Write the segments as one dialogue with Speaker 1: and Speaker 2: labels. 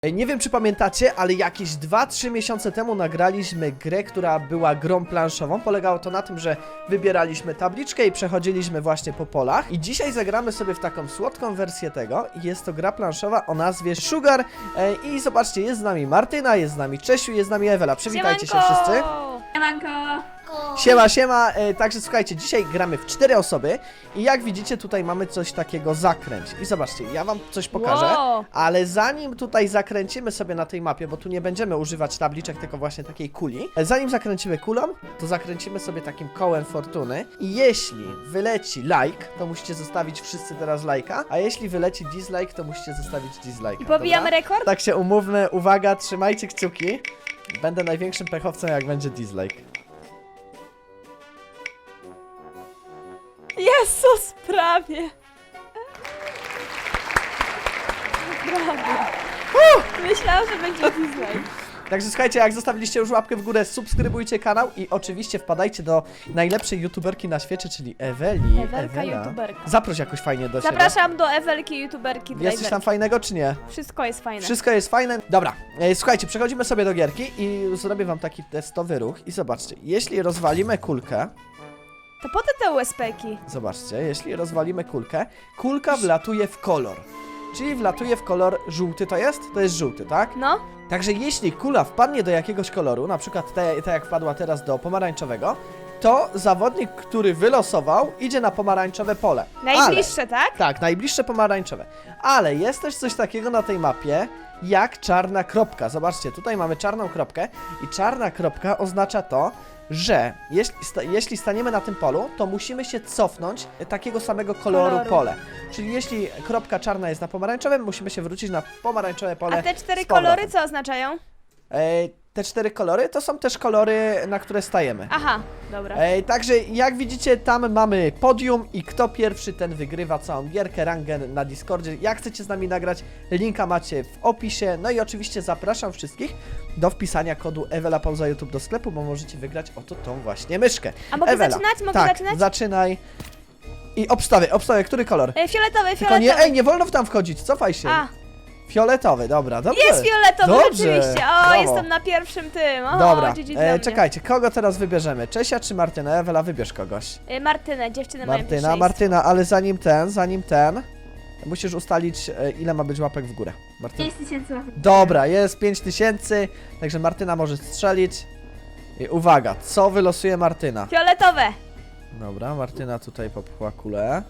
Speaker 1: Nie wiem, czy pamiętacie, ale jakieś 2-3 miesiące temu nagraliśmy grę, która była grą planszową. Polegało to na tym, że wybieraliśmy tabliczkę i przechodziliśmy właśnie po polach. I dzisiaj zagramy sobie w taką słodką wersję tego. Jest to gra planszowa o nazwie Sugar. I zobaczcie, jest z nami Martyna, jest z nami Czesiu, jest z nami Ewela. Przywitajcie się wszyscy.
Speaker 2: Siemanko!
Speaker 1: Siema, siema, także słuchajcie, dzisiaj gramy w 4 osoby i jak widzicie tutaj mamy coś takiego zakręć. I zobaczcie, ja wam coś pokażę,
Speaker 2: Wow.
Speaker 1: ale zanim tutaj zakręcimy sobie na tej mapie, bo tu nie będziemy używać tabliczek, tylko właśnie takiej kuli. Zanim zakręcimy kulą, to zakręcimy sobie takim kołem fortuny i jeśli wyleci like, to musicie zostawić wszyscy teraz lajka, a jeśli wyleci dislike, to musicie zostawić dislike'a.
Speaker 2: I pobijamy
Speaker 1: dobra?
Speaker 2: rekord?
Speaker 1: Tak się umówmy, uwaga, trzymajcie kciuki. Będę największym pechowcem, jak będzie dislike.
Speaker 2: Jezus, prawie! Prawie. Myślałam, że będzie dislike.
Speaker 1: Także słuchajcie, jak zostawiliście już łapkę w górę, subskrybujcie kanał i oczywiście wpadajcie do najlepszej youtuberki na świecie, czyli Eweli.
Speaker 2: Ewelka
Speaker 1: Ewela.
Speaker 2: youtuberka.
Speaker 1: Zaproś jakoś fajnie do siebie.
Speaker 2: Zapraszam do Ewelki, youtuberki,
Speaker 1: Jest coś tam
Speaker 2: driverki.
Speaker 1: fajnego, czy nie?
Speaker 2: Wszystko jest fajne.
Speaker 1: Wszystko jest fajne. Dobra, słuchajcie, przechodzimy sobie do gierki i zrobię wam taki testowy ruch i zobaczcie, jeśli rozwalimy kulkę,
Speaker 2: To po te USP-ki.
Speaker 1: zobaczcie, jeśli rozwalimy kulkę, kulka wlatuje w kolor. Czyli wlatuje w kolor żółty, to jest? To jest żółty, tak?
Speaker 2: No.
Speaker 1: Także jeśli kula wpadnie do jakiegoś koloru, na przykład tak jak wpadła teraz do pomarańczowego, to zawodnik, który wylosował, idzie na pomarańczowe pole.
Speaker 2: Najbliższe, tak?
Speaker 1: Tak, najbliższe pomarańczowe. Ale jest też coś takiego na tej mapie, jak czarna kropka. Zobaczcie, tutaj mamy czarną kropkę i czarna kropka oznacza to, że jeśli staniemy na tym polu, to musimy się cofnąć takiego samego koloru pole. Czyli jeśli kropka czarna jest na pomarańczowym, musimy się wrócić na pomarańczowe pole.
Speaker 2: A te 4
Speaker 1: z powrotem.
Speaker 2: kolory co oznaczają?
Speaker 1: Te 4 kolory to są też kolory, na które stajemy.
Speaker 2: Aha, dobra.
Speaker 1: Także jak widzicie, tam mamy podium i kto pierwszy, ten wygrywa całą gierkę, rangę na Discordzie. Jak chcecie z nami nagrać, linka macie w opisie. No i oczywiście zapraszam wszystkich do wpisania kodu Ewela Pauza YouTube do sklepu, bo możecie wygrać oto tą właśnie myszkę.
Speaker 2: A mogę
Speaker 1: Ewela,
Speaker 2: zaczynać? Mogę
Speaker 1: tak,
Speaker 2: zaczynać?
Speaker 1: zaczynaj. I obstawię, który kolor?
Speaker 2: Fioletowy,
Speaker 1: Tylko nie,
Speaker 2: fioletowy.
Speaker 1: nie wolno tam wchodzić, cofaj się.
Speaker 2: A,
Speaker 1: Fioletowy, dobra, dobrze.
Speaker 2: jest fioletowy,
Speaker 1: Dobrze,
Speaker 2: rzeczywiście. O,
Speaker 1: brawo.
Speaker 2: jestem na pierwszym tym. O,
Speaker 1: Dobra,
Speaker 2: GG dla mnie.
Speaker 1: czekajcie, kogo teraz wybierzemy? Czesia czy Martynę? Ewela, wybierz kogoś.
Speaker 2: Martynę, dziewczynę mają
Speaker 1: Martyna, ale zanim ten, musisz ustalić, ile ma być łapek w górę. Martyna.
Speaker 3: 5000 łapek.
Speaker 1: Dobra, jest 5000, także Martyna może strzelić. I uwaga, co wylosuje Martyna?
Speaker 2: Fioletowe.
Speaker 1: Dobra, Martyna tutaj popchła kulę.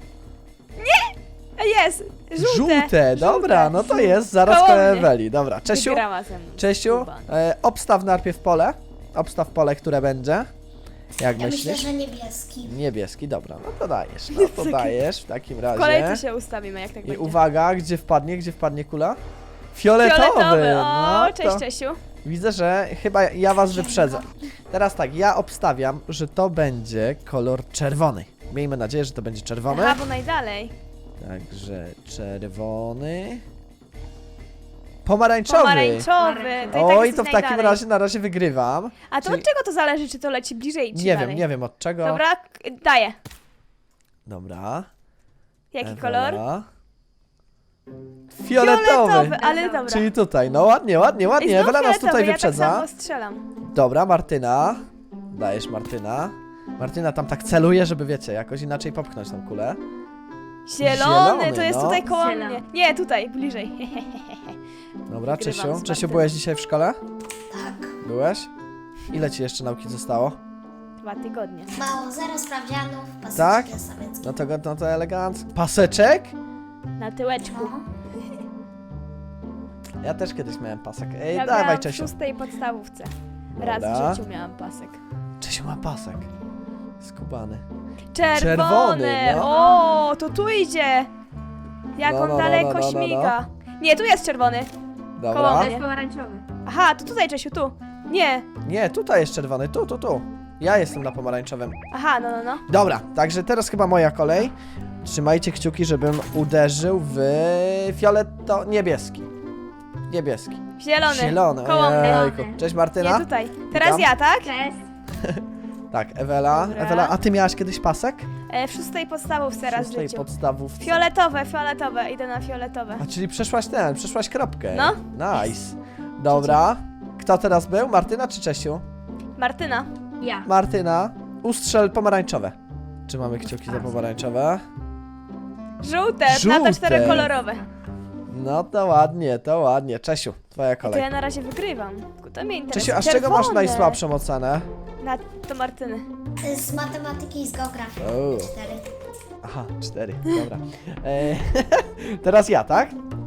Speaker 2: Jest, żółte.
Speaker 1: Dobra, no to jest, zaraz
Speaker 2: Koło
Speaker 1: koło
Speaker 2: mnie.
Speaker 1: Eweli. Dobra, Czesiu,
Speaker 2: Wygrała ze mną.
Speaker 1: Czesiu,
Speaker 2: Skubany.
Speaker 1: obstaw najpierw pole. Obstaw pole, które będzie. Jak
Speaker 3: Ja
Speaker 1: myślisz?
Speaker 3: myślę, że niebieski.
Speaker 1: Niebieski, dobra, no to dajesz w takim
Speaker 2: W
Speaker 1: razie.
Speaker 2: kolejce się ustawimy, jak tak
Speaker 1: I
Speaker 2: będzie.
Speaker 1: uwaga, gdzie wpadnie kula? Fioletowy!
Speaker 2: O,
Speaker 1: No,
Speaker 2: cześć
Speaker 1: to
Speaker 2: Czesiu.
Speaker 1: widzę, że chyba ja was wyprzedzę. Teraz tak, ja obstawiam, że to będzie kolor czerwony. Miejmy nadzieję, że to będzie czerwony.
Speaker 2: Aha, bo najdalej.
Speaker 1: Także czerwony. Pomarańczowy!
Speaker 2: Pomarańczowy. To i tak
Speaker 1: Oj,
Speaker 2: jesteś
Speaker 1: to w takim
Speaker 2: najdalej.
Speaker 1: razie na razie wygrywam.
Speaker 2: A to
Speaker 1: czyli-
Speaker 2: od czego to zależy, czy to leci bliżej, czy
Speaker 1: Nie
Speaker 2: dalej?
Speaker 1: wiem, nie wiem od czego.
Speaker 2: Dobra, daję.
Speaker 1: Dobra.
Speaker 2: Jaki
Speaker 1: Ewela.
Speaker 2: kolor?
Speaker 1: Fioletowy!
Speaker 2: Ale dobra.
Speaker 1: Czyli tutaj, no ładnie,
Speaker 2: I znów
Speaker 1: Ewela nas
Speaker 2: fioletowy,
Speaker 1: tutaj
Speaker 2: ja
Speaker 1: wyprzedza.
Speaker 2: tak samo strzelam.
Speaker 1: Dobra, Martyna. Dajesz Martyna. Martyna tam tak celuje, żeby wiecie, jakoś inaczej popchnąć tą kulę.
Speaker 2: Zielony, to jest
Speaker 1: no.
Speaker 2: tutaj koło
Speaker 3: Zielony.
Speaker 2: mnie. Nie, tutaj, bliżej.
Speaker 1: Dobra,
Speaker 2: Wygrywam
Speaker 1: Czesiu.
Speaker 2: z
Speaker 1: Czesiu,
Speaker 2: Martyną.
Speaker 1: byłeś dzisiaj w szkole?
Speaker 3: Tak.
Speaker 1: Byłeś? Ile ci jeszcze nauki zostało?
Speaker 2: 2 tygodnie.
Speaker 3: Mało, zero sprawdzianów, paseczki
Speaker 1: Tak?
Speaker 3: sowieckie.
Speaker 1: No to elegancko. Paseczek?
Speaker 2: Na tyłeczku.
Speaker 3: No.
Speaker 1: Ja też kiedyś miałem pasek. Ej,
Speaker 2: Ja
Speaker 1: dawaj
Speaker 2: miałam w
Speaker 1: Czesiu.
Speaker 2: 6. podstawówce. Raz
Speaker 1: Dobra.
Speaker 2: w życiu miałam pasek.
Speaker 1: Czesiu ma pasek. Skubany.
Speaker 2: Czerwony!
Speaker 1: no.
Speaker 2: O, to tu idzie! Jak
Speaker 1: No,
Speaker 2: on
Speaker 1: no,
Speaker 2: daleko
Speaker 1: no, no, no, no.
Speaker 2: śmiga. Nie, tu jest czerwony. Koło
Speaker 1: Dobra.
Speaker 2: mnie.
Speaker 3: pomarańczowy.
Speaker 2: Aha, to tutaj, Czesiu, tu. Nie.
Speaker 1: Nie, tutaj jest czerwony. Tu. Ja jestem na pomarańczowym.
Speaker 2: Aha, no.
Speaker 1: Dobra, także teraz chyba moja kolej. Trzymajcie kciuki, żebym uderzył w niebieski.
Speaker 2: Zielony.
Speaker 1: Zielony.
Speaker 2: Koło mnie.
Speaker 1: Ojejku. Cześć Martyna.
Speaker 2: Nie, tutaj. Teraz
Speaker 1: Witam.
Speaker 2: ja, tak?
Speaker 3: Cześć.
Speaker 1: Tak, Ewela.
Speaker 2: Dobra.
Speaker 1: Ewela, a ty miałaś kiedyś pasek?
Speaker 2: W 6 podstawówce raz w
Speaker 1: Szóstej
Speaker 2: życiu.
Speaker 1: podstawówce.
Speaker 2: Fioletowe, idę na fioletowe.
Speaker 1: A czyli przeszłaś kropkę.
Speaker 2: No.
Speaker 1: Nice. Dobra. Kto teraz był? Martyna czy Czesiu?
Speaker 2: Martyna.
Speaker 3: Ja.
Speaker 1: Martyna, ustrzel pomarańczowe. Czy mamy kciuki za pomarańczowe?
Speaker 2: Żółte,
Speaker 1: Żółte.
Speaker 2: na te 4 kolorowe.
Speaker 1: No to ładnie, to ładnie. Czesiu, twoja
Speaker 2: To
Speaker 1: kolej.
Speaker 2: ja na razie wygrywam. Tylko to mnie interesuje.
Speaker 1: Czesiu, a z czego masz
Speaker 2: Czerwone.
Speaker 1: najsłabszą ocenę?
Speaker 2: To Martyny.
Speaker 3: Z matematyki i z geografii.
Speaker 1: O.
Speaker 3: 4.
Speaker 1: Aha, 4, dobra. Teraz ja, tak?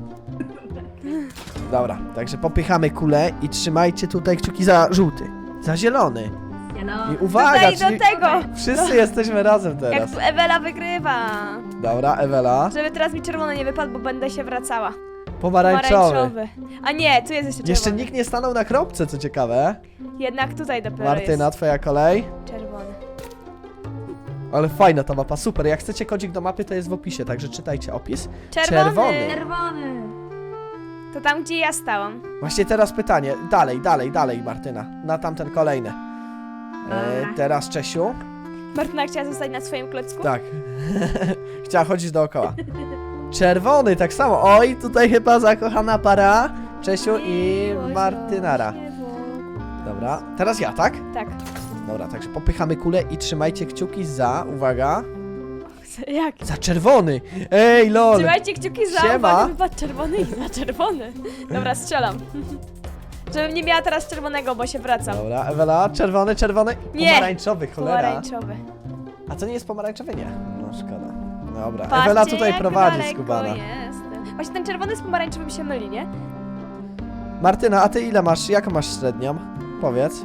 Speaker 1: Dobra, także popychamy kulę i trzymajcie tutaj kciuki za żółty, za zielony. I uwaga,
Speaker 2: Tutaj
Speaker 1: czyli
Speaker 2: do tego!
Speaker 1: wszyscy jesteśmy razem
Speaker 2: Jak
Speaker 1: teraz.
Speaker 2: tu Ewela wygrywa.
Speaker 1: Dobra, Ewela.
Speaker 2: Żeby teraz mi czerwony nie wypadł, bo będę się wracała.
Speaker 1: Pomarańczowy.
Speaker 2: A nie, tu jest jeszcze czerwony.
Speaker 1: Jeszcze nikt nie stanął na kropce, co ciekawe.
Speaker 2: Jednak tutaj dopiero
Speaker 1: Martyna, twoja kolej.
Speaker 2: jest czerwony.
Speaker 1: Ale fajna ta mapa, super. Jak chcecie kodzik do mapy, to jest w opisie, także czytajcie opis.
Speaker 2: Czerwony.
Speaker 3: Czerwony.
Speaker 2: To tam, gdzie ja stałam.
Speaker 1: Właśnie teraz pytanie. Dalej, Martyna. Na tamten kolejny. Teraz Czesiu.
Speaker 2: Martyna chciała zostać na swoim klocku?
Speaker 1: Tak. Chciała chodzić dookoła. Czerwony, tak samo. Oj, tutaj chyba zakochana para. Czesiu i
Speaker 2: Miłość
Speaker 1: Martynara.
Speaker 2: rośnie wokół.
Speaker 1: Dobra, teraz ja, tak?
Speaker 2: Tak.
Speaker 1: Dobra, także popychamy kulę i trzymajcie kciuki za, uwaga,
Speaker 2: Jak?
Speaker 1: za czerwony. Ej, lol.
Speaker 2: Trzymajcie kciuki za,
Speaker 1: Siema.
Speaker 2: uwaga, wypadł czerwony i za czerwony. Dobra, strzelam. Żebym nie miała teraz czerwonego, bo się wracam.
Speaker 1: Dobra, Ewela, czerwony.
Speaker 2: Nie.
Speaker 1: Pomarańczowy, cholera.
Speaker 2: Pomarańczowy.
Speaker 1: A to nie jest pomarańczowy? Nie. No szkoda. Dobra,
Speaker 2: Patrzcie,
Speaker 1: Ewela tutaj
Speaker 2: jak
Speaker 1: prowadzi
Speaker 2: daleko
Speaker 1: skubana.
Speaker 2: jestem. Właśnie ten czerwony z pomarańczowym się myli, nie?
Speaker 1: Martyna, a ty ile masz, jaką masz średnią? Powiedz.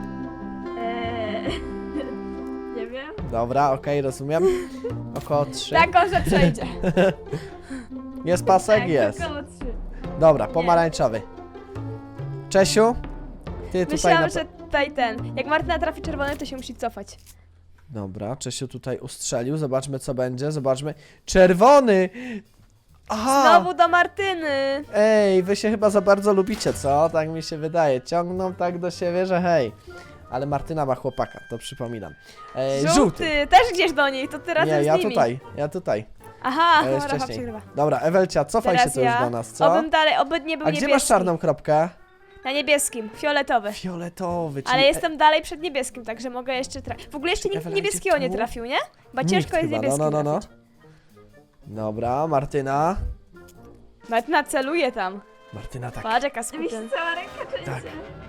Speaker 2: Nie wiem.
Speaker 1: Dobra, okej, rozumiem. Około 3.
Speaker 2: Taką, że przejdzie.
Speaker 1: Jest pasek? Jest.
Speaker 2: około 3.
Speaker 1: Dobra, pomarańczowy. Czesiu, ty tutaj
Speaker 2: Myślałam, że tutaj ten. Jak Martyna trafi czerwony, to się musi cofać.
Speaker 1: Dobra, Czesiu tutaj ustrzelił, zobaczmy co będzie, zobaczmy. Czerwony! Aha!
Speaker 2: Znowu do Martyny.
Speaker 1: Ej, wy się chyba za bardzo lubicie, co? Tak mi się wydaje. Ciągną tak do siebie, że hej. Ale Martyna ma chłopaka, to przypominam. Żółty.
Speaker 2: Też gdzieś do niej, to ty razem
Speaker 1: Nie,
Speaker 2: z
Speaker 1: ja
Speaker 2: nimi.
Speaker 1: tutaj.
Speaker 2: Aha,
Speaker 1: To jest
Speaker 2: Rafa
Speaker 1: wcześniej.
Speaker 2: przegrywa.
Speaker 1: Dobra, Ewelcia, cofaj
Speaker 2: Teraz
Speaker 1: się tu już
Speaker 2: ja.
Speaker 1: do nas, co?
Speaker 2: Obym dalej, oby nie był
Speaker 1: A
Speaker 2: niebieski.
Speaker 1: gdzie masz czarną kropkę?
Speaker 2: Na niebieskim, fioletowy.
Speaker 1: Fioletowy, czyli...
Speaker 2: Ale jestem dalej przed niebieskim, także mogę jeszcze trafić. W ogóle jeszcze nikt
Speaker 1: Ewela,
Speaker 2: niebieskiego
Speaker 1: gdzie
Speaker 2: nie
Speaker 1: tu?
Speaker 2: trafił, nie? Bo
Speaker 1: Nikt
Speaker 2: ciężko jest
Speaker 1: chyba,
Speaker 2: niebieskim
Speaker 1: no.
Speaker 2: trafić.
Speaker 1: Dobra, Martyna.
Speaker 2: Martyna celuje tam.
Speaker 1: Martyna tak.
Speaker 2: Patrz jaka skutyn.
Speaker 1: Tak.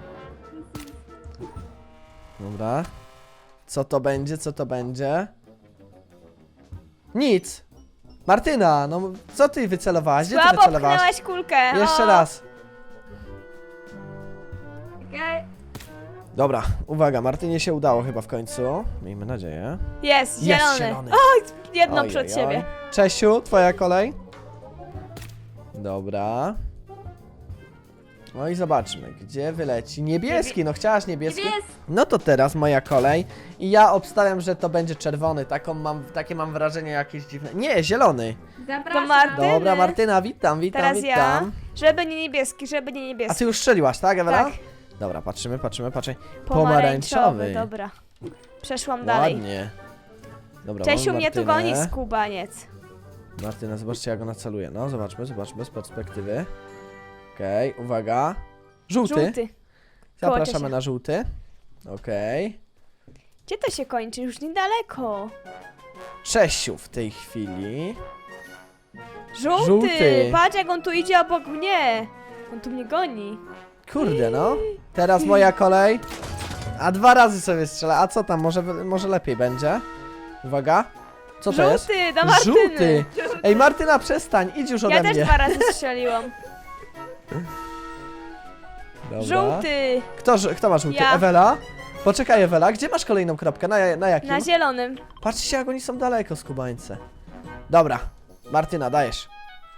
Speaker 1: Dobra. Co to będzie? Nic. Martyna, no co ty wycelowałaś? Gdzie ty
Speaker 2: Słabo
Speaker 1: wycelowałaś?
Speaker 2: pchnęłaś kulkę.
Speaker 1: Jeszcze
Speaker 2: o.
Speaker 1: raz.
Speaker 2: Okej.
Speaker 1: Dobra, uwaga, Martynie się udało chyba w końcu. Miejmy nadzieję.
Speaker 2: Jest,
Speaker 1: Jest
Speaker 2: zielony.
Speaker 1: zielony.
Speaker 2: Oj, jedno
Speaker 1: Oj,
Speaker 2: przed
Speaker 1: oj,
Speaker 2: siebie.
Speaker 1: oj. Czesiu, twoja kolej. Dobra. No i zobaczmy, gdzie wyleci. Niebieski, no chciałaś niebieski? No to teraz moja kolej. I ja obstawiam, że to będzie czerwony. Takie mam wrażenie jakieś dziwne. Nie, zielony.
Speaker 2: To Martyny.
Speaker 1: Dobra, Martyna, witam.
Speaker 2: Teraz ja.
Speaker 1: witam.
Speaker 2: Żeby nie niebieski, żeby nie
Speaker 1: A
Speaker 2: niebieski.
Speaker 1: ty już strzeliłaś, tak, Ewela?
Speaker 2: Tak.
Speaker 1: Dobra, patrzymy.
Speaker 2: Pomarańczowy. Dobra. Przeszłam dalej.
Speaker 1: Ładnie. Dobra,
Speaker 2: Czesiu
Speaker 1: mamy
Speaker 2: mnie tu
Speaker 1: Martynę.
Speaker 2: goni, skubaniec.
Speaker 1: Martyna, zobaczcie jak ona celuje. No, zobaczmy z perspektywy. Okej, uwaga. Żółty.
Speaker 2: Żółty.
Speaker 1: Zapraszamy
Speaker 2: Ciesia.
Speaker 1: na żółty. Okej.
Speaker 2: Gdzie to się kończy? Już niedaleko.
Speaker 1: Czesiu w tej chwili.
Speaker 2: Żółty.
Speaker 1: Żółty.
Speaker 2: Patrz jak on tu idzie obok mnie. On tu mnie goni.
Speaker 1: Kurde no. Teraz moja kolej. A 2 razy sobie strzela. A co tam? Może lepiej będzie? Uwaga. Co to jest?
Speaker 2: Żółty, do Martyny.
Speaker 1: Żółty. Ej, Martyna, przestań. Idź już ode
Speaker 2: Ja
Speaker 1: mnie.
Speaker 2: też 2 razy strzeliłam.
Speaker 1: Dobra.
Speaker 2: Żółty.
Speaker 1: Kto ma żółty?
Speaker 2: Ja.
Speaker 1: Ewela? Poczekaj, Ewela. Gdzie masz kolejną kropkę? Na jakim?
Speaker 2: Na zielonym.
Speaker 1: Patrzcie jak oni są daleko, skubańce. Dobra, Martyna, dajesz.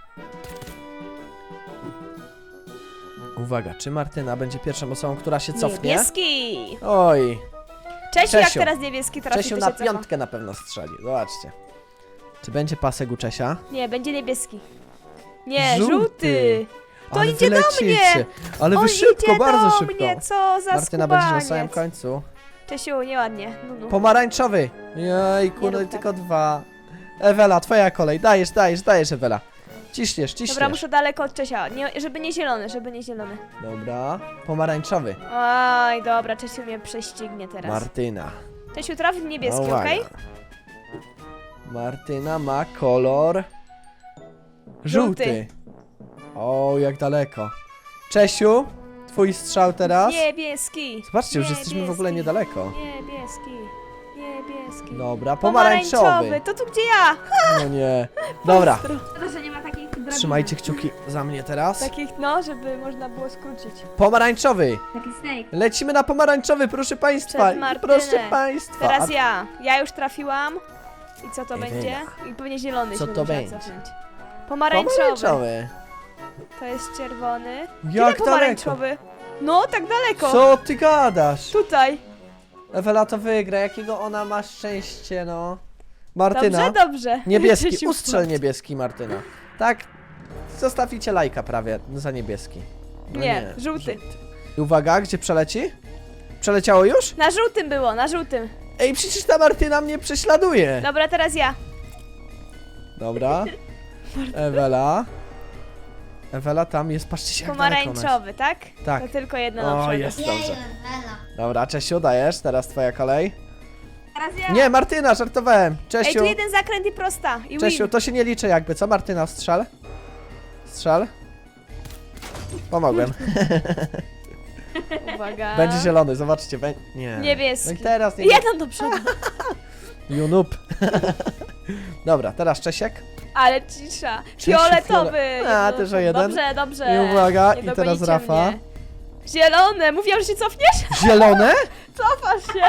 Speaker 1: Uwaga, czy Martyna będzie pierwszą osobą, która się cofnie?
Speaker 2: Niebieski.
Speaker 1: Oj,
Speaker 2: Czesiu, jak
Speaker 1: Czesiu.
Speaker 2: teraz niebieski trafi,
Speaker 1: Czesiu
Speaker 2: to
Speaker 1: na
Speaker 2: się cofa.
Speaker 1: piątkę na pewno strzeli, zobaczcie. Czy będzie pasek u Czesia?
Speaker 2: Nie, będzie niebieski. Nie,
Speaker 1: Żółty.
Speaker 2: żółty. To
Speaker 1: Ale
Speaker 2: idzie do
Speaker 1: wylecicie.
Speaker 2: mnie.
Speaker 1: Ale
Speaker 2: On
Speaker 1: wy szybko,
Speaker 2: idzie
Speaker 1: bardzo
Speaker 2: do
Speaker 1: szybko.
Speaker 2: mnie, co za
Speaker 1: Martyna będzie na samym
Speaker 2: skubaniec.
Speaker 1: końcu.
Speaker 2: Czesiu, nieładnie. No.
Speaker 1: Pomarańczowy. Jejku,
Speaker 2: Nie
Speaker 1: no i
Speaker 2: rób tak.
Speaker 1: tylko 2. Ewela, twoja kolej. Dajesz, Ewela. Ciśniesz.
Speaker 2: Dobra, muszę daleko od Czesia. Nie, żeby nie zielony.
Speaker 1: Dobra. Pomarańczowy.
Speaker 2: Oj, dobra, Czesiu mnie prześcignie teraz.
Speaker 1: Martyna.
Speaker 2: Czesiu, trafi w niebieski,
Speaker 1: Uwaga.
Speaker 2: okej?
Speaker 1: Martyna ma kolor żółty. O, jak daleko. Czesiu, twój strzał teraz.
Speaker 2: Niebieski.
Speaker 1: Zobaczcie, już jesteśmy w ogóle niedaleko.
Speaker 2: Niebieski.
Speaker 1: Dobra, pomarańczowy.
Speaker 2: To tu gdzie ja?
Speaker 1: No nie. Dobra,
Speaker 3: To, że nie ma takich drobnych.
Speaker 1: trzymajcie kciuki za mnie teraz.
Speaker 2: Takich, no, żeby można było skrócić.
Speaker 1: Pomarańczowy.
Speaker 3: Taki snake.
Speaker 1: Lecimy na pomarańczowy, proszę państwa.
Speaker 2: Przed Martynę.
Speaker 1: Proszę państwa.
Speaker 2: Teraz ja. Ja już trafiłam. I co to
Speaker 1: Ewela.
Speaker 2: będzie? I pewnie zielony
Speaker 1: Co
Speaker 2: się
Speaker 1: to
Speaker 2: musiała
Speaker 1: będzie?
Speaker 2: cofnąć. Pomarańczowy.
Speaker 1: Pomarańczowy.
Speaker 2: To jest czerwony.
Speaker 1: Jak
Speaker 2: Gdzie
Speaker 1: daleko?
Speaker 2: pomarańczowy? No, tak daleko.
Speaker 1: Co ty gadasz?
Speaker 2: Tutaj.
Speaker 1: Ewela to wygra, jakiego ona ma szczęście, no. Martyna.
Speaker 2: Dobrze.
Speaker 1: Niebieski,
Speaker 2: Czesiu,
Speaker 1: ustrzel niebieski, Martyna. Tak, zostawicie lajka prawie za niebieski. No
Speaker 2: Nie, żółty.
Speaker 1: I uwaga, gdzie przeleci? Przeleciało już?
Speaker 2: Na żółtym było, na żółtym.
Speaker 1: Ej, przecież ta Martyna mnie prześladuje.
Speaker 2: Dobra, teraz ja.
Speaker 1: Dobra. Ewela. Ewela tam jest, patrzcie się jak daleko ona
Speaker 2: Pomarańczowy, tak?
Speaker 1: jest. Tak.
Speaker 2: To tylko jedno na
Speaker 1: O,
Speaker 2: przodu.
Speaker 1: jest
Speaker 3: Jej,
Speaker 1: dobrze.
Speaker 3: Ewela.
Speaker 1: Dobra, Czesiu, dajesz, teraz twoja kolej.
Speaker 3: Teraz ja.
Speaker 1: Nie, Martyna, żartowałem.
Speaker 2: Ej,
Speaker 1: Czesiu,
Speaker 2: tu jeden zakręt i prosta. I
Speaker 1: Czesiu,
Speaker 2: win.
Speaker 1: to się nie liczy jakby, co? Martyna, strzel. Strzel. Pomogłem.
Speaker 2: Uwaga.
Speaker 1: Będzie zielony, zobaczcie. Nie.
Speaker 2: Niebieski.
Speaker 1: No i teraz nie.
Speaker 2: Jeden do przodu.
Speaker 1: You noob. Dobra, teraz Czesiek.
Speaker 2: Ale cisza.
Speaker 1: Czesiu,
Speaker 2: Fioletowy.
Speaker 1: A,
Speaker 2: Jedno-
Speaker 1: też o jeden.
Speaker 2: Dobrze, dobrze.
Speaker 1: I uwaga,
Speaker 2: Nie
Speaker 1: i teraz
Speaker 2: dogonicie
Speaker 1: Rafa.
Speaker 2: mnie. Zielone. Mówiłam, że się cofniesz?
Speaker 1: Zielone?
Speaker 2: Cofasz się.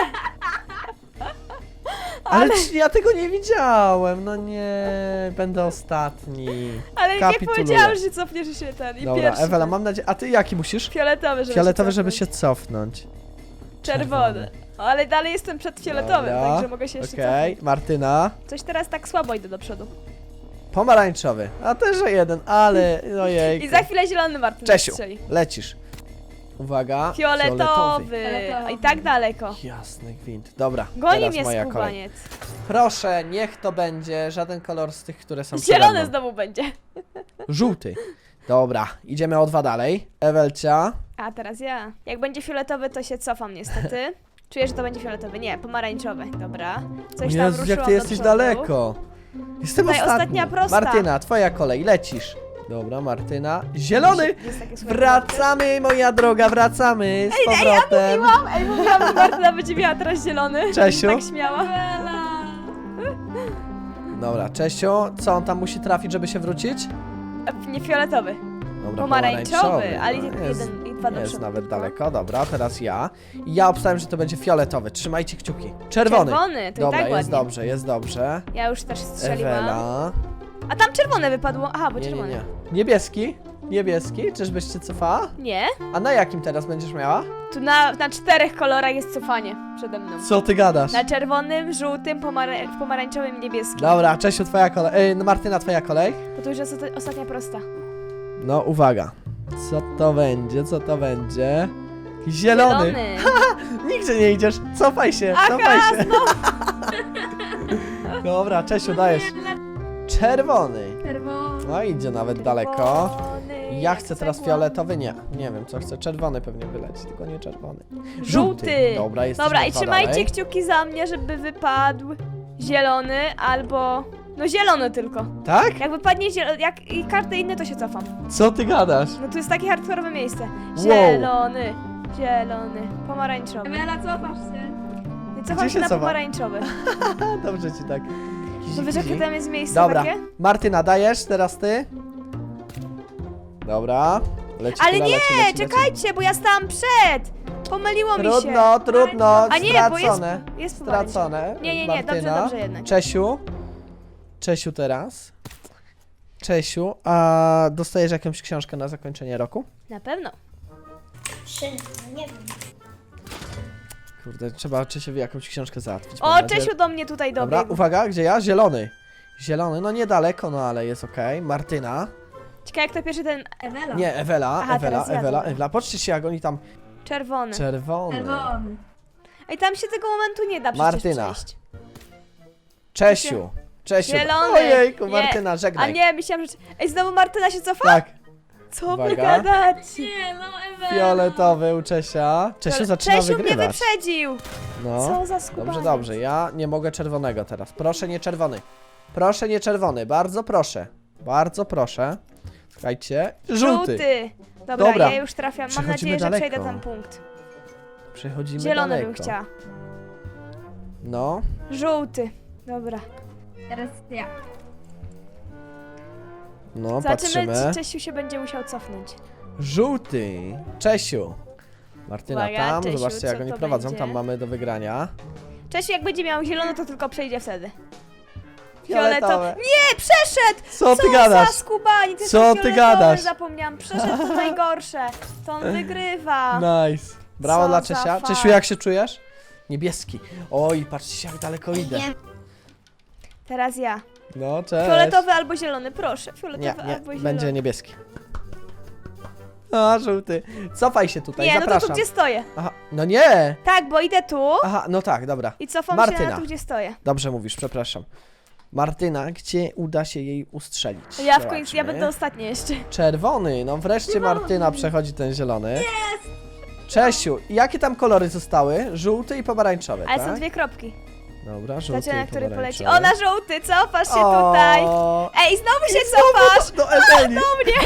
Speaker 1: Ale ja tego nie widziałem. No nie, będę ostatni.
Speaker 2: Ale jak
Speaker 1: Kapituluję.
Speaker 2: powiedziałam, że się cofniesz, że się ten. I
Speaker 1: Dobra,
Speaker 2: pierwszy.
Speaker 1: Ewela,
Speaker 2: ten.
Speaker 1: mam nadzieję. A ty jaki musisz?
Speaker 2: Fioletowy, żeby
Speaker 1: Fioletowy,
Speaker 2: się
Speaker 1: żeby
Speaker 2: cofnąć.
Speaker 1: się cofnąć.
Speaker 2: Czerwony. Ale dalej jestem przed fioletowym,
Speaker 1: Dobra,
Speaker 2: także mogę się jeszcze
Speaker 1: Okej,
Speaker 2: cofnąć.
Speaker 1: Martyna.
Speaker 2: Coś teraz tak słabo idę do przodu.
Speaker 1: Pomarańczowy. A też o jeden, ale ojej.
Speaker 2: I za chwilę zielony Martin
Speaker 1: Czesiu,
Speaker 2: strzeli.
Speaker 1: lecisz. Uwaga.
Speaker 2: Fioletowy.
Speaker 3: Fioletowy.
Speaker 2: I tak daleko.
Speaker 1: Jasny gwint. Dobra,
Speaker 2: Goni
Speaker 1: teraz
Speaker 2: mnie
Speaker 1: moja kolej.
Speaker 2: skubaniec.
Speaker 1: Proszę, niech to będzie żaden kolor z tych, które są przede
Speaker 2: Zielony
Speaker 1: mną.
Speaker 2: znowu będzie.
Speaker 1: Żółty. Dobra, idziemy o 2 dalej. Ewelcia.
Speaker 2: A teraz ja. Jak będzie fioletowy, to się cofam niestety. Czuję, że to będzie fioletowy. Nie, pomarańczowy. Dobra. Coś tam
Speaker 1: Jezu,
Speaker 2: ruszyłam
Speaker 1: jak ty
Speaker 2: do
Speaker 1: jesteś
Speaker 2: przodu.
Speaker 1: daleko. Jestem
Speaker 2: Tutaj
Speaker 1: ostatni.
Speaker 2: ostatnia prosta.
Speaker 1: Martyna, twoja kolej, lecisz. Dobra, Martyna. Zielony!
Speaker 2: Jest takie słabe.
Speaker 1: Wracamy, moja droga, wracamy z powrotem.
Speaker 2: Mówiłam, że Martyna będzie miała teraz zielony.
Speaker 1: Czesiu?
Speaker 2: Tak śmiała.
Speaker 1: Dobra, Czesiu, co on tam musi trafić, żeby się wrócić?
Speaker 2: Nie fioletowy.
Speaker 1: Dobra,
Speaker 2: Pomarańczowy, ale
Speaker 1: No, jest,
Speaker 2: jeden i dwa do
Speaker 1: jest
Speaker 2: przodu.
Speaker 1: nawet
Speaker 2: tylko.
Speaker 1: daleko, dobra, teraz ja. I ja obstałem, że to będzie fioletowy. Trzymajcie kciuki. Czerwony.
Speaker 2: Czerwony, to
Speaker 1: Dobra,
Speaker 2: i tak
Speaker 1: jest
Speaker 2: ładnie.
Speaker 1: dobrze, jest dobrze.
Speaker 2: Ja już też strzeliłam.
Speaker 1: Ewela.
Speaker 2: A tam czerwone wypadło. Aha, bo
Speaker 1: Nie, nie,
Speaker 2: czerwone.
Speaker 1: nie. Niebieski? Niebieski? Czyżbyś się cofała?
Speaker 2: Nie?
Speaker 1: A na jakim teraz będziesz miała?
Speaker 2: Tu na 4 kolorach jest cofanie przede mną.
Speaker 1: Co ty gadasz?
Speaker 2: Na czerwonym, żółtym, pomarańczowym i niebieskim.
Speaker 1: Dobra, Czesiu, twoja kolej. No Martyna, twoja kolej.
Speaker 2: Bo to już jest ostatnia prosta.
Speaker 1: No, uwaga. Co to będzie? Co to będzie? Zielony. Nigdzie nie idziesz. Cofaj się, cofaj się. Dobra, Czesiu, dajesz. Czerwony.
Speaker 3: Czerwony.
Speaker 1: No idzie nawet daleko.
Speaker 2: Czerwony,
Speaker 1: Ja
Speaker 2: jak
Speaker 1: chcę teraz
Speaker 2: cegła.
Speaker 1: fioletowy, nie. Nie wiem co chcę. Czerwony pewnie wyleci, tylko nie czerwony.
Speaker 2: Żółty.
Speaker 1: Dobra, jest
Speaker 2: Dobra, i trzymajcie kciuki za mnie, żeby wypadł zielony albo... No zielony tylko.
Speaker 1: Tak?
Speaker 2: Jak wypadnie zielony, jak i każdy inny, to się cofam.
Speaker 1: Co ty gadasz?
Speaker 2: No tu jest takie hardkorowe miejsce.
Speaker 1: Wow.
Speaker 2: Zielony, zielony, pomarańczowy.
Speaker 3: Ewela, cofasz się.
Speaker 2: I cofam
Speaker 1: Gdzie
Speaker 2: się
Speaker 1: się
Speaker 2: na
Speaker 1: cofa?
Speaker 2: pomarańczowy.
Speaker 1: Dobrze ci tak.
Speaker 2: No wiesz, jakie tam jest miejsce
Speaker 1: Dobra,
Speaker 2: takie?
Speaker 1: Martyna, dajesz, teraz ty. Dobra. Leci,
Speaker 2: Ale
Speaker 1: kula,
Speaker 2: nie,
Speaker 1: leci, leci,
Speaker 2: czekajcie, bo ja stałam przed! Pomyliło mi się.
Speaker 1: Trudno, trudno,
Speaker 2: A nie, bo jest,
Speaker 1: stracone.
Speaker 2: jest pomarańczowy.
Speaker 1: Stracone.
Speaker 2: Nie,
Speaker 1: Martyna.
Speaker 2: dobrze jednak.
Speaker 1: Czesiu. Czesiu teraz. Czesiu, a dostajesz jakąś książkę na zakończenie roku?
Speaker 2: Na pewno.
Speaker 3: Nie wiem.
Speaker 1: Kurde, trzeba Czesiowi jakąś książkę załatwić.
Speaker 2: O,
Speaker 1: mam nadzieję.
Speaker 2: Czesiu do mnie tutaj
Speaker 1: Dobra,
Speaker 2: dobiegł.
Speaker 1: uwaga, gdzie ja? Zielony. Zielony, no niedaleko, no ale jest okej. Martyna.
Speaker 2: Ciekawe jak to pierwszy ten
Speaker 3: Ewela.
Speaker 1: Nie, Ewela,
Speaker 2: Aha,
Speaker 1: Ewela,
Speaker 2: teraz ja
Speaker 1: Ewela,
Speaker 2: dobra.
Speaker 1: Ewela. Patrzcie się, jak oni tam...
Speaker 2: czerwony.
Speaker 1: Czerwony.
Speaker 3: Czerwony.
Speaker 2: Ej, tam się tego momentu nie da przecież
Speaker 1: Martyna.
Speaker 2: przejść.
Speaker 1: Czesiu. Czesiu.
Speaker 2: Zielony.
Speaker 1: Ojejku,
Speaker 2: Nie.
Speaker 1: Martyna,
Speaker 2: A
Speaker 1: żegnaj.
Speaker 2: nie, myślałam, że... Ej, znowu Martyna się cofa?
Speaker 1: Tak,
Speaker 2: Co wy
Speaker 1: Uwaga.
Speaker 2: gadacie?
Speaker 3: Nie, no Ewela.
Speaker 1: fioletowy u Czesia. Czesiu zaczyna
Speaker 2: Czesiu mnie
Speaker 1: wygrywać.
Speaker 2: wyprzedził.
Speaker 1: No.
Speaker 2: Co za skubaniec.
Speaker 1: Dobrze, dobrze, ja nie mogę czerwonego teraz. Proszę nie czerwony. Proszę nie czerwony, bardzo proszę. Bardzo proszę. Słuchajcie, żółty.
Speaker 2: Dobra,
Speaker 1: Dobra.
Speaker 2: ja już trafiam. Mam
Speaker 1: Przechodzimy
Speaker 2: nadzieję, że
Speaker 1: daleko.
Speaker 2: przejdę ten punkt.
Speaker 1: Przechodzimy
Speaker 2: Zielony
Speaker 1: daleko.
Speaker 2: bym chciała.
Speaker 1: No,
Speaker 2: Żółty. Dobra.
Speaker 3: Teraz ja.
Speaker 1: no,
Speaker 2: Zobaczymy,
Speaker 1: patrzymy.
Speaker 2: czy Czesiu się będzie musiał cofnąć.
Speaker 1: Żółty. Czesiu. Martyna
Speaker 2: Uwaga,
Speaker 1: tam,
Speaker 2: Czesiu,
Speaker 1: zobaczcie jak
Speaker 2: co
Speaker 1: oni
Speaker 2: to
Speaker 1: prowadzą,
Speaker 2: będzie?
Speaker 1: tam mamy do wygrania.
Speaker 2: Czesiu, jak będzie miał zielony, to tylko przejdzie wtedy.
Speaker 1: Fioletowe.
Speaker 2: Nie, przeszedł!
Speaker 1: Co ty
Speaker 2: Co
Speaker 1: gadasz?
Speaker 2: za skubani, ty
Speaker 1: Co ty gadasz?
Speaker 2: Zapomniałam, przeszedł to najgorsze. To on wygrywa.
Speaker 1: Nice. Brawo
Speaker 2: Co
Speaker 1: dla
Speaker 2: za
Speaker 1: Czesia.
Speaker 2: fakt.
Speaker 1: Czesiu, jak się czujesz? Niebieski. Oj, patrzcie jak daleko idę.
Speaker 3: Nie.
Speaker 2: Teraz ja.
Speaker 1: No, cześć.
Speaker 2: Fioletowy albo zielony, proszę.
Speaker 1: Nie,
Speaker 2: Fioletowy
Speaker 1: nie,
Speaker 2: albo zielony.
Speaker 1: będzie niebieski. A, żółty. Cofaj się tutaj,
Speaker 2: Nie, no to
Speaker 1: zapraszam.
Speaker 2: tu gdzie stoję.
Speaker 1: Aha, no nie.
Speaker 2: Tak, bo idę tu
Speaker 1: Aha, no tak, dobra.
Speaker 2: i cofam się
Speaker 1: Martyna.
Speaker 2: na tu, gdzie stoję.
Speaker 1: Dobrze mówisz, przepraszam. Martyna, gdzie uda się jej ustrzelić?
Speaker 2: Ja w końcu, ja
Speaker 1: Zobaczmy.
Speaker 2: będę ostatnia jeszcze.
Speaker 1: Czerwony, no wreszcie Martyna przechodzi ten zielony. Czesiu, jakie tam kolory zostały? Żółty i pomarańczowy,
Speaker 2: Ale
Speaker 1: tak?
Speaker 2: są dwie kropki.
Speaker 1: Dobra, żółty
Speaker 2: Zobaczymy, na
Speaker 1: i
Speaker 2: który poleci.
Speaker 1: pomarańczowy.
Speaker 2: O, na żółty, cofasz się tutaj. Ej, znowu się cofasz.
Speaker 1: Do Eweli.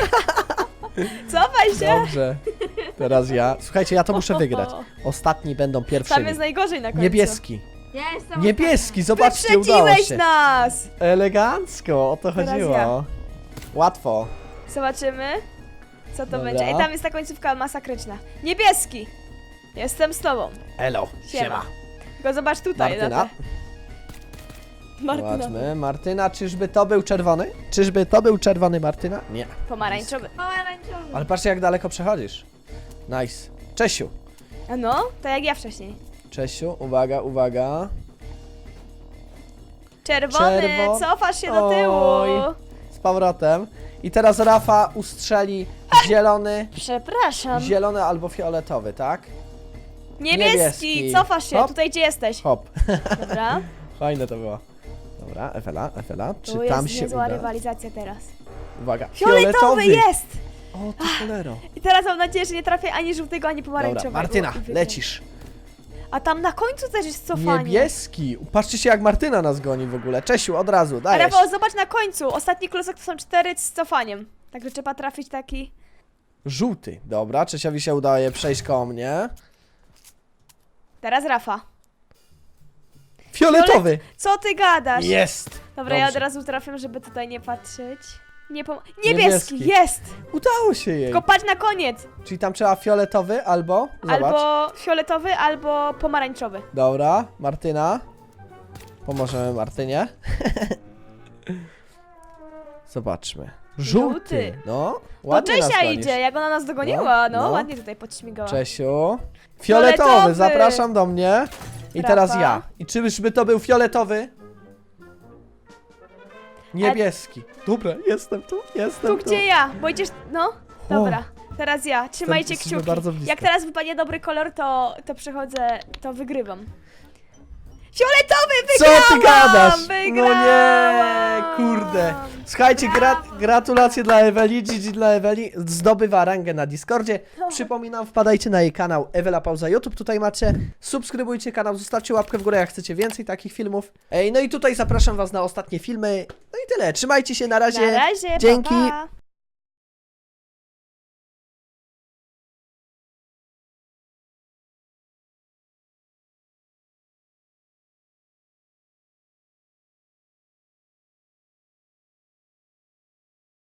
Speaker 2: Cofaj się.
Speaker 1: Dobrze. Teraz ja. Słuchajcie, ja to muszę wygrać. Ostatni będą
Speaker 2: Tam
Speaker 1: pierwszymi.
Speaker 2: jest najgorzej na końcu.
Speaker 1: Niebieski.
Speaker 3: Ja jestem
Speaker 1: Niebieski, zobaczcie, udało
Speaker 2: Wyprzedziłeś
Speaker 1: się.
Speaker 2: nas.
Speaker 1: Elegancko, o to
Speaker 2: Teraz
Speaker 1: chodziło.
Speaker 2: ja.
Speaker 1: Łatwo.
Speaker 2: Zobaczymy, co to
Speaker 1: Dobra.
Speaker 2: będzie. Ej, tam jest ta końcówka masakryczna. Niebieski. Jestem z tobą.
Speaker 1: Elo,
Speaker 2: Siema. Tylko zobacz tutaj.
Speaker 1: Martyna.
Speaker 2: na te- Martyna.
Speaker 1: Zobaczmy. Martyna, czyżby to był czerwony? Czyżby to był czerwony, Martyna? Nie.
Speaker 2: Pomarańczowy.
Speaker 3: pomarańczowy.
Speaker 1: Ale patrzcie, jak daleko przechodzisz. Nice. Czesiu.
Speaker 2: A no, to jak ja wcześniej.
Speaker 1: Czesiu, uwaga, uwaga.
Speaker 2: Czerwony,
Speaker 1: Czerwo-
Speaker 2: cofasz się do tyłu.
Speaker 1: Oj. Z powrotem. I teraz Rafa ustrzeli
Speaker 2: Przepraszam.
Speaker 1: zielony albo fioletowy, tak?
Speaker 2: Niebieski,
Speaker 1: niebieski.
Speaker 2: cofasz się,
Speaker 1: Hop.
Speaker 2: tutaj gdzie jesteś.
Speaker 1: Hop.
Speaker 2: Dobra.
Speaker 1: Fajne to było. Dobra, Ewela, czy
Speaker 2: Tu
Speaker 1: tam
Speaker 2: jest
Speaker 1: się
Speaker 2: niezła
Speaker 1: uda?
Speaker 2: rywalizacja teraz.
Speaker 1: Uwaga,
Speaker 2: Fioletowy jest!
Speaker 1: O, ty cholero.
Speaker 2: I teraz mam nadzieję, że nie trafię ani żółtego, ani
Speaker 1: Dobra,
Speaker 2: pomarańczowego.
Speaker 1: Martyna,
Speaker 2: I wygram.
Speaker 1: lecisz.
Speaker 2: A tam na końcu też jest cofanie.
Speaker 1: Niebieski. Patrzcie się, jak Martyna nas goni w ogóle. Czesiu, od razu,
Speaker 2: A
Speaker 1: dajesz.
Speaker 2: Rafał, zobacz na końcu. Ostatni klocek to są 4 z cofaniem. Także trzeba trafić taki...
Speaker 1: Żółty. Dobra, Czesiowi się udaje przejść koło mnie.
Speaker 2: Teraz Rafa.
Speaker 1: Fioletowy.
Speaker 2: Co ty gadasz?
Speaker 1: Jest.
Speaker 2: Dobra, ja od
Speaker 1: Dobrze.
Speaker 2: razu trafiam, żeby tutaj nie patrzeć. Niebieski,
Speaker 1: Niebieski.
Speaker 2: jest!
Speaker 1: Udało się jej.
Speaker 2: Tylko patrz na koniec.
Speaker 1: Czyli tam trzeba fioletowy albo... Zobacz.
Speaker 2: Albo fioletowy, albo pomarańczowy.
Speaker 1: Dobra, Martyna. Pomożemy Martynie. Zobaczmy. Żółty.
Speaker 2: Żółty.
Speaker 1: No,
Speaker 2: To
Speaker 1: ładnie nas
Speaker 2: Czesia
Speaker 1: gonisz.
Speaker 2: idzie, jak ona nas dogoniła. No,
Speaker 1: no.
Speaker 2: ładnie tutaj podśmigała.
Speaker 1: Czesiu. Fioletowy,
Speaker 2: Fioletowy.
Speaker 1: zapraszam do mnie. I
Speaker 2: Rafa.
Speaker 1: teraz ja. I czyżby to był fioletowy? Niebieski. Dobra, jestem tu, jestem
Speaker 2: Tu gdzie ja, bo idziesz... No,
Speaker 1: O.
Speaker 2: dobra. Teraz ja, trzymajcie
Speaker 1: Jesteśmy
Speaker 2: kciuki.
Speaker 1: bardzo blisko.
Speaker 2: Jak teraz wypadnie dobry kolor, to przechodzę, to wygrywam. Fioletowy,
Speaker 1: Co
Speaker 2: wygrałam!
Speaker 1: ty gadasz?
Speaker 2: Wygrałam!
Speaker 1: No nie, kurde. Słuchajcie, gratulacje dla Eweli, GG dla Eweli. Zdobywa rangę na Discordzie. Przypominam, wpadajcie na jej kanał Ewela Pauza YouTube. Tutaj macie, subskrybujcie kanał, zostawcie łapkę w górę, jak chcecie więcej takich filmów. Ej, no i tutaj zapraszam was na ostatnie filmy. No i tyle, trzymajcie się, na razie.
Speaker 2: Na razie,
Speaker 1: Dzięki.
Speaker 2: Pa, pa.